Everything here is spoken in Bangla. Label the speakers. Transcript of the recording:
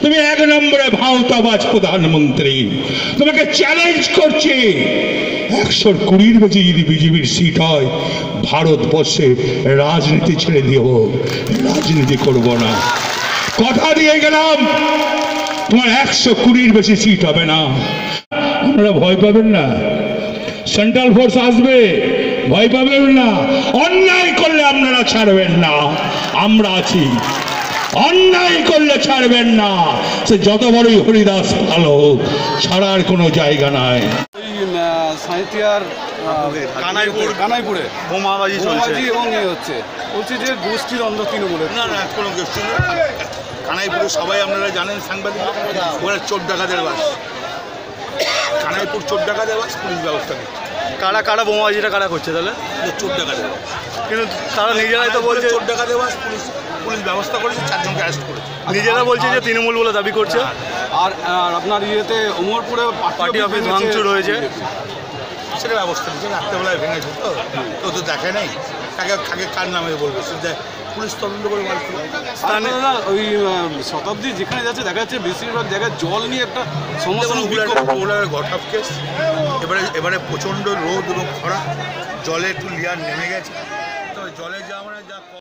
Speaker 1: তুমি 1 নম্বরে ভাওতাবাজ প্রধানমন্ত্রী। তোমাকে চ্যালেঞ্জ করছি, 120-র বেশি যদি বিজেপির সিট হয়, ভারতবর্ষে রাজনীতি ছেড়ে দিব, রাজনীতি করব না। কথা দিয়ে গেলাম, তোমার 120-র বেশি সিট হবে না। আপনারা ভয় পাবেন না, সেন্ট্রাল ফোর্স আসবে, ভয় পাবেন না। অন্যায় করলে আপনারা ছাড়বেন না, আমরা আছি। অন্যায় করলে ছাড়বেন না, সে যত বড়ই হরিদাস ভালো হোক, ছাড়ার কোনো জায়গা নাই।
Speaker 2: সাঁইথিয়ার কানাইপুরে
Speaker 3: বোমাবাজি চলছে
Speaker 2: এবং হচ্ছে বলছে যে গোষ্ঠী দ্বন্দ্ব তৃণমূলের।
Speaker 3: না না, কোনো গোষ্ঠী না। কানাইপুরে সবাই আপনারা জানেন, সাংবাদিক, ওরা চোর ডাকাতের বাস। কানাইপুর চোর ডাকাতের বাস, পুলিশ ব্যবস্থা নেই।
Speaker 2: কারা বোমাবাজিটা কারা করছে তাহলে?
Speaker 3: চোর ডাকাতের বাস,
Speaker 2: কিন্তু তারা নিজেরাই তো বলছে
Speaker 3: চোর ডাকাতের বাস, পুলিশ ব্যবস্থা করেছে, 4 জনকে অ্যারেস্ট করেছে।
Speaker 2: নিজেরা বলছে যে তৃণমূল বলে দাবি করছে। আর আপনার ইয়েতে ওমরপুরে পার্টি অফিস ভাঙচুর হয়েছে,
Speaker 3: সেটা ব্যবস্থা নিচ্ছে। রাত্রেবেলায় ভেঙেছে তো তো দেখে নাই, কাকে কার নামে বলবে, সেটা পুলিশ তদন্ত করে বার করবে।
Speaker 2: ওই শতাব্দী যেখানে যাচ্ছে দেখা যাচ্ছে বেশিরভাগ জায়গায় জল নিয়ে একটা সমস্যা।
Speaker 3: ওরা ঘটাপ কেস, এবারে প্রচণ্ড রোদ এবং খরা, জলে একটু লেয়ার নেমে গেছে। তো জলে যা আমরা যা